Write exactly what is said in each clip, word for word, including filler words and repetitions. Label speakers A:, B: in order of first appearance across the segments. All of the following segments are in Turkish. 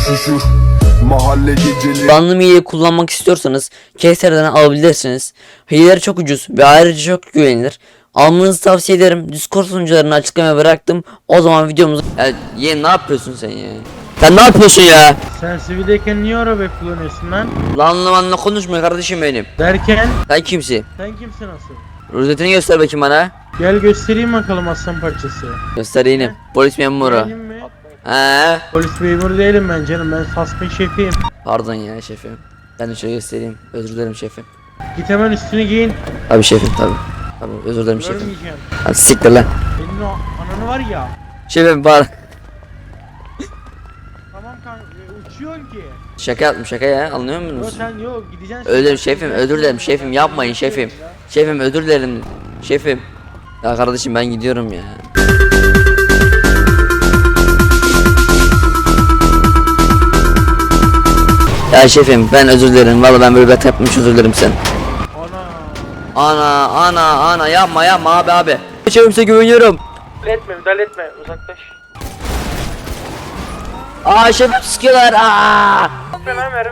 A: üşüşür. Mahalle geceleri.
B: Banlı hileyi kullanmak istiyorsanız Keser'den alabilirsiniz. Hileler çok ucuz ve ayrıca çok güvenilir. Almanızı tavsiye ederim. Discord sunucularını açıklamaya bıraktım. O zaman videomuzu... Ya yeğen ne yapıyorsun sen ya? Sen ne yapıyorsun ya?
C: Sen sivildeyken niye araba kullanıyorsun lan?
B: Lanla manla konuşma kardeşim benim.
C: Derken
B: Sen kimsin?
C: sen kimsin asıl?
B: Rozetini göster bakayım bana.
C: Gel göstereyim bakalım aslan parçası.
B: Göstereyim. Polis memuru.
C: Değilim mi?
B: He.
C: Polis memuru değilim ben canım, ben suspect şefiyim.
B: Pardon ya şefim. Ben de şöyle göstereyim. Özür dilerim şefim.
C: Git hemen üstünü giyin.
B: Tabii şefim tabii. Tabii özür dilerim şefim.
C: Görmeyeceğim.
B: Hadi siktir lan.
C: Senin o ananı var ya.
B: Şefim pardon.
C: Tamam kanka, e, uçuyorsun ki.
B: Şaka yaptım şaka ya, anlıyor
C: Yok
B: musunuz?
C: sen yok gideceksin.
B: Özür şefim, özür dilerim şefim, yapmayın şefim. Şefim özür dilerim şefim. Ya kardeşim ben gidiyorum ya. Ya şefim ben özür dilerim, vallahi ben böyle bir hata yapmış, özür dilerim sen.
C: Ana.
B: Ana ana ana yapma yapma abi abi. Şefim size güveniyorum.
C: Müdahale etme, müdahale etme, uzaklaş.
B: Aa şefim sıkıyorlar aa.
C: Hemen verim.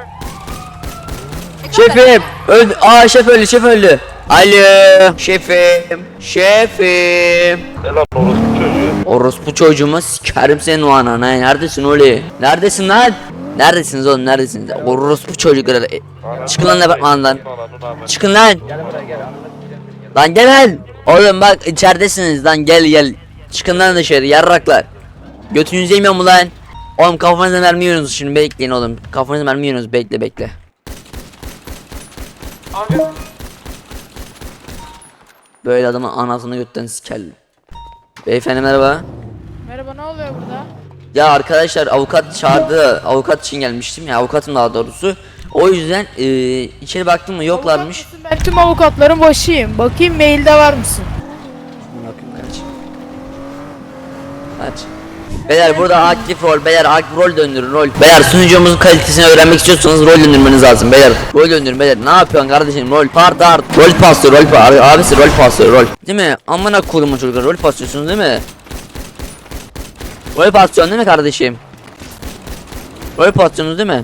B: Şefim öldü. Aa şef öldü, şef öldü. Alo şefim, şefim.
D: Selam orospu çocuğu.
B: Orospu çocuğuma sikerim senin o anana. Neredesin oğlum? Neredesin lan? Neredesiniz oğlum, neredesiniz? Orospu çocukları. E, çıkın lan departmandan. Çıkın lan. Lan gel lan. Oğlum bak içeridesiniz lan, gel gel. Çıkın lan dışarı yarraklar. Götünüzü yemiyor mu lan? Oğlum kafanıza mermi yiyorsunuz şimdi, bekleyin oğlum. Kafanıza mermi yiyorsunuz, bekle bekle.
C: Abi.
B: Böyle adamın anasını götten sikerli. Beyefendi merhaba.
E: Merhaba, ne oluyor burada?
B: Ya arkadaşlar avukat çağırdı. Avukat için gelmiştim ya, avukatım daha doğrusu. O yüzden e, içeri baktım mı yoklarmış.
E: Avukat mısın? Ben tüm avukatların başıyım. Bakayım mailde var mısın?
B: Bakayım kaç. Kaç. Beyler burada aktif rol, beyler aktif rol döndürün rol. Beyler sunucumuzun kalitesini öğrenmek istiyorsanız rol döndürmeniz lazım beyler. Rol döndürün beyler. Ne yapıyorsun kardeşim? Rol part art. Rol paslıyor, rol pa abisi rol paslıyor, rol. Değil mi? Amına kodumun çocuklar, rol paslıyorsunuz değil mi? Rol paslıyorsun değil mi kardeşim? Rol paslıyorsunuz değil mi?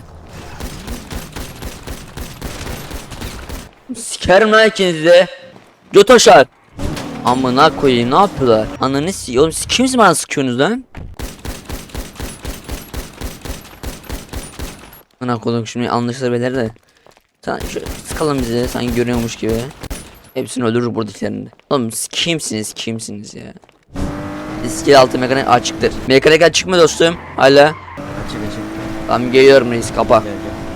B: Sikerim lan ikinizi de. Götoşar. Amına koyayım, ne yapıyorlar? Ananı s***. Oğlum siz kimsiniz bana sıkıyorsunuz lan? Amına koydum şimdi anlaşılır beyler de. Sen şöyle sıkalım bizi sanki görüyormuş gibi. Hepsini öldürür buradakilerini de. Oğlum siz kimsiniz kimsiniz ya? İskele altı mekanik açıktır. Mekanik açık mı dostum? Hala. Açık açık. Tamam geliyorum reis, kapa.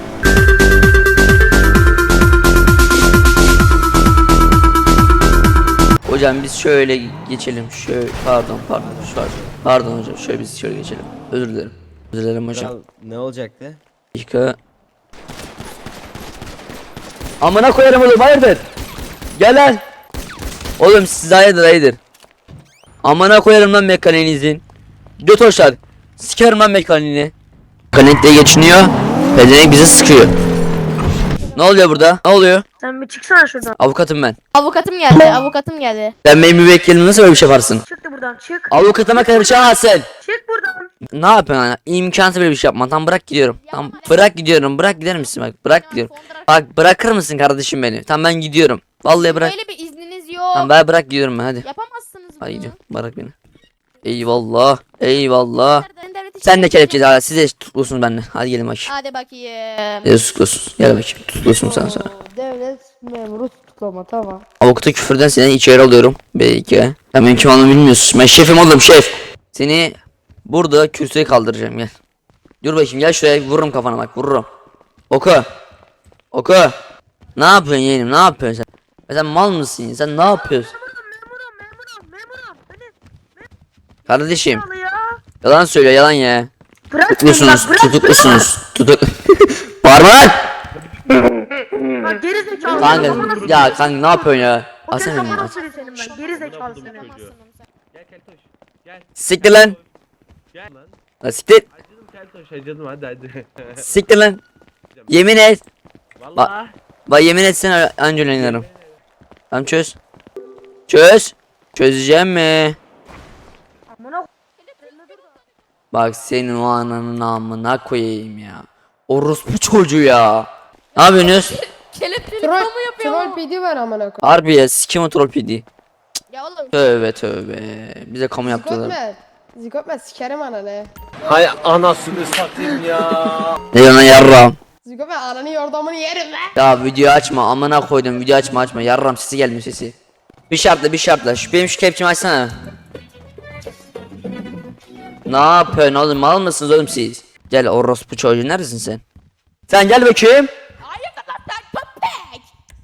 B: Hocam biz şöyle geçelim. Şöyle pardon pardon şu var. Pardon hocam şöyle biz şöyle geçelim. Özür dilerim. Özür dilerim hocam.
F: Kral, ne olacaktı?
B: Dakika. Amına koyarım oğlum, hayırdır? Gel lan. Oğlum siz hayırdır hayırdır. Amına koyarım lan mekaniğinizin. Göt hoşlar. Sikerim lan mekaniğini. Mekanik diye geçiniyor. Pedenek bizi sıkıyor. Ne oluyor burada? Ne oluyor?
G: Sen bir çıksana şuradan.
B: Avukatım ben.
E: Avukatım geldi, avukatım geldi.
B: Sen benim müvekkilim, nasıl böyle bir şey yaparsın?
G: Çık da buradan çık.
B: Avukatıma karışamazsın.
G: Çık buradan.
B: Ne yapıyorsun lan? İmkansız böyle bir şey yapma. Tamam bırak gidiyorum. Tamam bırak gidiyorum. Bırak gider misin bak? Bırak gidiyorum. Bak bırakır mısın kardeşim beni? Tamam ben gidiyorum. Vallahi bırak.
E: Böyle bir izniniz yok.
B: Tamam ben bırak gidiyorum ben, hadi.
E: Yapamazsınız bunu.
B: Hadi gidiyorum. Bırak beni. Eyvallah. Eyvallah.
E: Ben devleti
B: Sen de
E: çekeyim.
B: kelepçeli hala. Siz de tutuklusunuz benimle. Hadi gelin bakayım.
E: Hadi bakayım.
B: Siz de tutuklusun. Gel bakayım. Tutuklusun sen sonra.
E: Devlet memuru tutuklama, tamam.
B: Avukata küfürden seni içeri alıyorum. Belki. Sen benim kim olduğumu bilmiyorsun. Ben şefim oğlum, şef. Seni burada kürsüye kaldıracağım, gel. Dur bakayım, gel şuraya, vururum kafana bak, vururum. Oku. Oku. Ne yapıyorsun yeğenim, ne yapıyorsun sen? Ya sen mal mısın? Sen ne yapıyorsun?
G: Memurum memurum memurum. Beni
B: Kardeşim.
G: al ya.
B: Yalan söylüyor, yalan ya.
G: Bırak beni
B: Tutuklusunuz,
G: bak, bırak.
B: tutuklusunuz. Tutuk. Bağırma lan.
G: Bak geri zekalı.
B: Kanka, ya kanka ne yapıyorsun ya?
G: O kez
B: Asana beni.
G: kafana
B: as-
G: sürüyor senin ben. Geri zekalı seni.
D: Gel Keltoş. Gel.
B: Siktir lan.
D: Gel lan.
B: Lan siktir.
D: Acıdım Keltoş, acıdım hadi hadi.
B: Siktir lan. Yemin et.
D: Vallahi.
B: Bak yemin etsene anca oynarım. Tamam çöz. Çöz. Çözeceğim mi?
G: Amına
B: Bak senin o ananın amına koyayım ya. Orospu çocuğu ya. Ne yapıyorsunuz?
F: Kelepçeli
G: Troll,
F: kamu yapıyor.
G: troll P D var amına koyayım.
B: Harbi ya sikim o troll P D.
F: Ya oğlum.
B: Tövbe tövbe. Bize kamu yaptılar.
G: Zikotme. Zikotme sikerim ananı.
D: Hay anasını satayım ya.
B: Ne diyorsun lan yarram?
G: Zikotme ananı yordamını yerim lan.
B: Ya video açma amına koydum video açma açma yarram sesi gelmiyor sesi. Bir şartla bir şartla şu benim şu kepçemi açsana. Ne yapıyorsun oğlum mal mısınız oğlum siz? Gel orospu çocuğu neredesin sen? Sen gel bakayım.
F: Hayırdır lan sen köpek.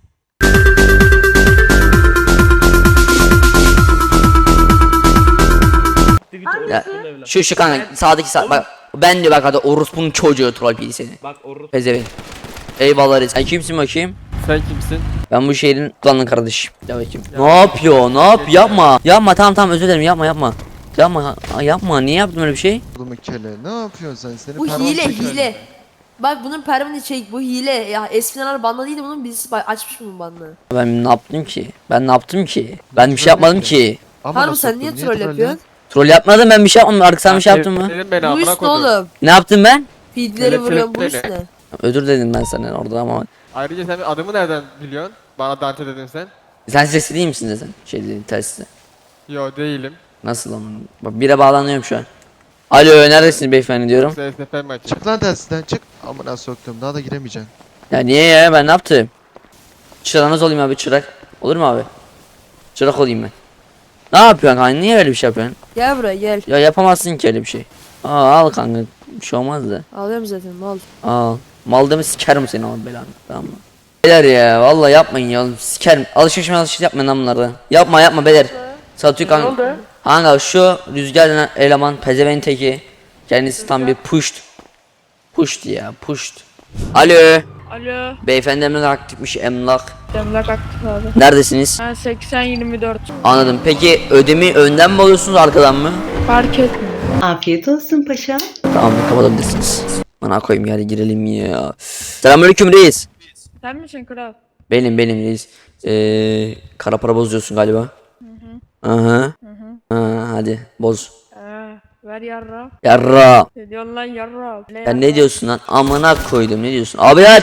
B: Ya, şu şu kanka sağdaki sağ bak ben diyor bak hadi orospunun çocuğu troll pili seni.
D: Bak Orus.
B: Pezevenk. Eyvallah reis. Sen kimsin bakayım?
D: Sen kimsin?
B: Ben bu şehrin kullanın kardeşim. Gel bakayım. Ne yapıyor? Ne yap? Yapma. Yapma tamam tamam özür dilerim yapma yapma. Yapma yapma niye yaptın öyle bir şey?
A: Oğlum kele ne yapıyorsun sen? Seni
F: Bu
A: parmağını
F: hile
A: çekerim
F: hile. Bak bunun permanent şey bu hile ya eskiden banda değildi bunun birisi ba- açmış bunun bandını.
B: Ben ne yaptım ki? Ben ne yaptım ki? Ben bir şey yapmadım ki.
A: Amına
F: Harbi sen
A: soktum,
F: niye troll
A: trollüyorsun?
F: yapıyorsun?
B: Troll yapmadım ben bir şey yapmadım. Artık sen bir şey yaptın mı?
D: Senin beni
F: Bu
D: amına
F: üst ne
D: koydum.
F: oğlum?
B: Ne yaptım ben?
F: Feedleri
D: Kelepçeli
F: vuruyorum bu
D: ne?
F: üst ne?
B: Özür dedim ben sana orada ama.
D: Ayrıca sen adımı nereden biliyorsun? Bana Dante dedin sen.
B: Sen sesli değil misin de sen? Şey dedin tersi.
D: Yo değilim.
B: Nasıl ama? Bak bire bağlanıyorum şu an. Alo neredesiniz beyefendi diyorum.
D: S S F maçı.
A: Çık lan tersinden çık. Amına soktum daha da giremeyeceksin.
B: Ya niye ya ben ne yaptım? Çırağınız olayım abi çırak. Olur mu abi? Çırak olayım ben. Ne yapıyorsun kanka niye öyle bir şey yapıyorsun?
F: Gel buraya gel.
B: Ya yapamazsın ki öyle bir şey. Aa al kanka bir şey olmaz da.
F: Alıyorum zaten mal.
B: Al. Mal deme sikerim seni ama belanı tamam mı? Beyler ya vallahi yapmayın ya sikerim. Alışveriş mi alışveriş yapmayın lan bunları. Yapma yapma beyler. Satıyor kanka. Kanka şu rüzgar denen eleman pezevenk teki. Kendisi tam bir pushed. Pushed ya pushed. Alo.
E: Alo.
B: Beyefendi emlak aktifmiş emlak.
E: Emlak aktif abi.
B: Neredesiniz?
E: Ben seksen yirmi dört.
B: Anladım. Peki ödemi önden mi alıyorsunuz arkadan mı?
E: Fark etmiyor.
H: Afiyet olsun paşam.
B: Tamam kapatabilirsiniz. Bana koyayım yani girelim ya. Selamünaleyküm reis.
E: Sen misin kral?
B: Benim benim reis. Ee, kara para bozuyorsun galiba. Hı hı. Aha. Hı hı. Ha, hadi boz.
E: Ee, ver yarra.
B: Yarra.
E: Ne diyorsun lan yarra? Ne
B: Ya ne diyorsun lan? Amına koydum ne diyorsun? Abi lan.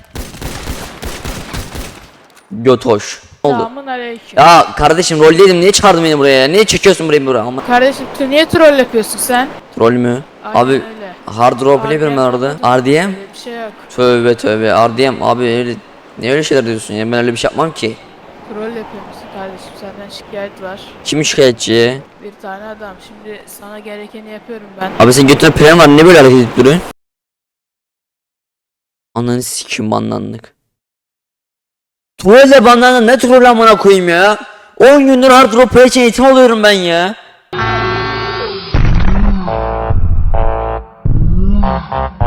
B: Götoş. Ne oldu?
E: Selamun aleyküm.
B: Ya kardeşim roldeydim niye çağırdın beni buraya? Niye çekiyorsun burayı buraya? Ama
E: Kardeşim tu niye troll yapıyorsun sen?
B: troll mü?
E: Aynen
B: Abi
E: öyle.
B: hard role play yapıyorum ben orada. R D M?
E: Öyle bir şey yok.
B: Tövbe tövbe R D M abi öyle ne öyle şeyler diyorsun ya ben öyle bir şey yapmam ki.
E: Troll yapıyorsun kardeşim senden şikayet var.
B: Kim şikayetçi?
E: Bir tane adam şimdi sana gerekeni yapıyorum ben.
B: Abi sen götüne plan var ne böyle hareket edip duruyorsun? Ananı sikim banlandık. Trolle banlandım ne troll amına koyayım ya? on gündür hard role play için eğitim alıyorum ben ya.